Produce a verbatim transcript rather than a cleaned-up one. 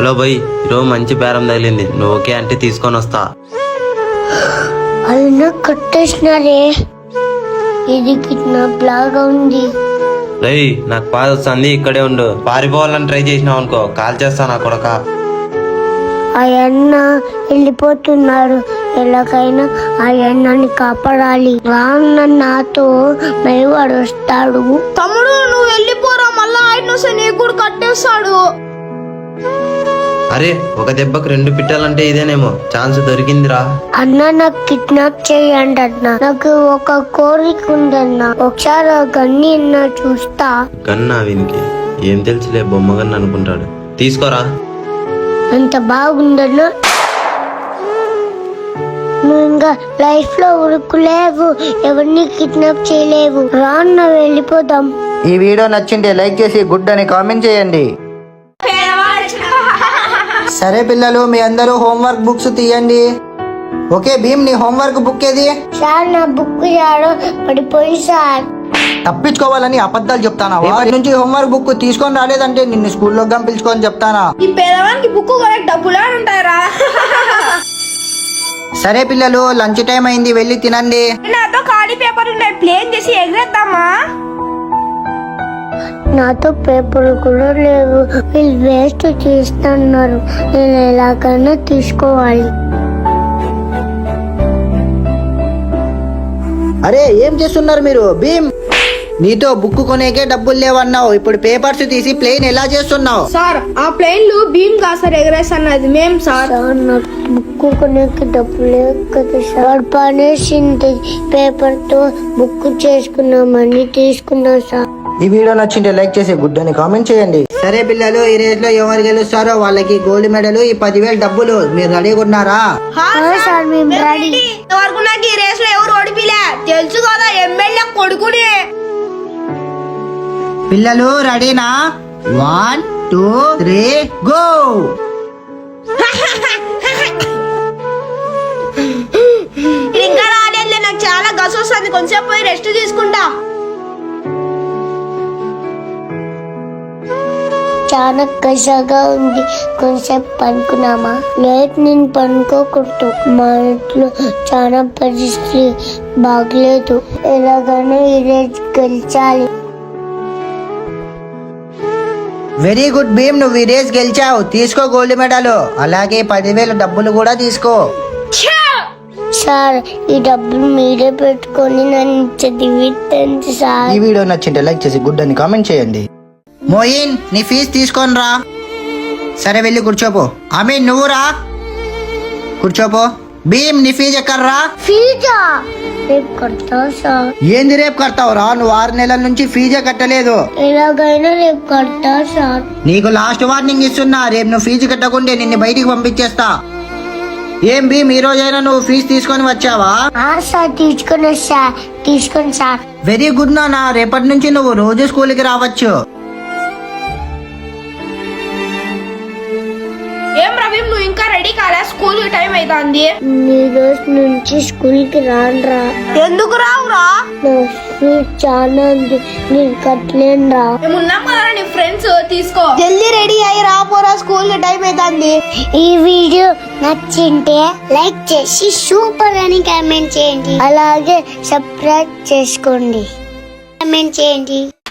Hello భయ్, ఈరోజు మంచి బేరం తగిలింది, నువ్వు ఓకే అంటే తీసుకొని వస్తా. అయినా కట్టేసినారే, ఇది కిడ్నాప్ లాగా ఉంది. రేయ్ నాకు బాధ వస్తుంది, ఇక్కడే ఉండు. పారిపోవాలని ట్రై చేసినావు అనుకో కాల్ చేస్తా నా కొడక. అయ్యన్న వెళ్ళిపోతున్నాడు, ఎలాగైనా అయ్యన్నని కాపాడాలి. రాన్న నాతో మెరుగువాడు వస్తాడు. తమ్ముడు నువ్వు వెళ్ళిపోరా, మళ్ళా ఆయన వస్తే నీకు కూడా కట్టేస్తాడు. అరే ఒక దెబ్బకు రెండు పిట్టాలంటే ఇదేనేమో, ఛాన్స్ దొరికిందిరా. అన్న నాకు కిడ్నాప్ చేయండి అన్న, నాకు ఒక కోరిక ఉందన్న. ఒకసారి గన్ని అన్న చూస్తా. గన్నా వీనికి ఏం తెలుసులే, బొమ్మ గన్న అనుకుంటాడు. తీసుకోరా. ఎంత బాగుందన్న, నువ్వు ఇంకా లైఫ్ లో ఉరుకులేవు, ఎవరిని కిడ్నాప్ చేయలేవు. రాన్న వెళ్ళిపోదాం. ఈ వీడియో నచ్చింటే లైక్ చేసి గుడ్ అని కామెంట్ చేయండి. సరే పిల్లలు, మీ అందరూ హోంవర్క్ బుక్స్ తీయండి. ఓకే భీమ్, నీ హోంవర్క్ బుక్ ఏది? సార్ నా బుక్ యాడో పడిపోయి సార్. తప్పించుకోవాలని అబద్ధాలు చెప్తానా? వాటి నుంచి హోంవర్క్ బుక్ తీసుకొని రాలేదంటే నిన్ను స్కూల్లో పిలుచుకొని చెప్తానా? ఈ పేదవానికి బుక్ కూడా డబ్బులా ఉంటాయరా. సరే పిల్లలు, లంచ్ టైం అయింది, వెళ్ళి తినండి. నాతో ఖాళీ పేపర్ ఉన్నాయి, ప్లేన్ చేసి ఎగరేద్దామా? నాతో పేపర్ కూడా లేవు, వీళ్ళు వేస్ట్ చేస్తున్నారు, నేను ఎలాగైనా తీసుకోవాలి. అరే ఏం చేస్తున్నారు మీరు? భీమ్, నీతో బుక్ కొనేకే డబ్బులు లేవన్నావు, ఇప్పుడు పేపర్స్ తీసి ప్లేన్ ఎలా చేస్తున్నావు? సార్ ఆ ప్లేన్లు భీమ్ కా సార్ ఎగరేస్తున్నది మేం సార్. సార్ నాకు బుక్ కొనేకి డబ్బు లేవు కదా సార్, పనేసింది. పేపర్ తో బుక్ చేసుకున్నామని తీసుకున్నా సార్. ఈ వీడియో నచ్చింటే లైక్ చేసి గుడ్ అని కామెంట్ చేయండి. సరే పిల్లలు, ఈ రేస్ లో ఎవరు గెలుస్తారో వాళ్ళకి గోల్డ్ మెడల్, ఈ పదివేలు డబ్బులు. మీరు రెడీగా ఉన్నారా? సార్ మేము రెడీ. వరకు నాకు ఈ రేస్ లో ఎవరు ఓడిపిలే తెలుసు కదా, ఎమ్మెల్యే కొడుకుని. పిల్లలు రెడీనా? One two three go. ఇంకా రాలేదు, నాకు చాలా గస వస్తుంది, కొంచెం పోయి రెస్ట్ తీసుకుంటా. చాలా కషగా ఉంది, కొంచెం పనుకున్నామా? లేట్ నేను పనుకోకూడదు, మా ఇంట్లో చాలా పరిస్థితి బాగలేదు, ఎలాగైనా ఈరోజు గెలిచాలి. వెరీ గుడ్ భీమ్, నువ్వు ఈ రేస్ గెలిచావు, తీసుకో గోల్డ్ మెడల్, అలాగే పదివేల డబ్బులు కూడా తీసుకో. సార్ ఈ డబ్బులు మీరే పెట్టుకొని నన్ను చదివించండి సార్. ఈ వీడియో నచ్చింటే లైక్ చేసి గుడ్ అని కామెంట్ చేయండి. మోయిన్, నీ ఫీజు తీసుకొని రా. సరే వెళ్ళి కూర్చోపో. అమీన్ నువ్వు రా, కూర్చోపో. భీమ్, నీ ఫీజు ఎక్కడ్రా? ఫీజా రేపు కడతా సార్. ఏంది రేపు కడతావు రా? నువ్వు ఆరు నెలల నుంచి ఫీజే కట్టలేదు. ఎలాగైనా రేపు కడతా సార్. నీకు లాస్ట్ వార్నింగ్ ఇస్తున్నా, రేపు నువ్వు ఫీజు కట్టకుంటే నిన్ను బయటికి పంపించేస్తా. ఏం భీమ్, ఈ రోజైనా నువ్వు ఫీజు తీసుకొని వచ్చావా? సార్ తీసుకొని సార్, తీసుకొని సార్. వెరీ గుడ్ నాన్న, రేపటి నుంచి నువ్వు రోజు స్కూల్కి రావచ్చు. ఏం రవీం, నువ్వు ఇంకా రెడీ కాలే? స్కూల్ టైం అవుతుంది. ఈ రోజు నుంచి స్కూల్ కి రానురా. ఎందుకు రావురా? నా ఫీజు చాలా ఉంది, నేను కట్టలేను రా. మేము ఉన్నాం కదా నీ ఫ్రెండ్స్, తీసుకో. జల్దీ రెడీ అయ్యి రాపోరా, స్కూల్ టైం అవుతుంది. ఈ వీడియో నచ్చింటే లైక్ చేసి సూపర్ అని కామెంట్ చేయండి, అలాగే సబ్స్క్రైబ్ చేసుకోండి, కామెంట్ చేయండి.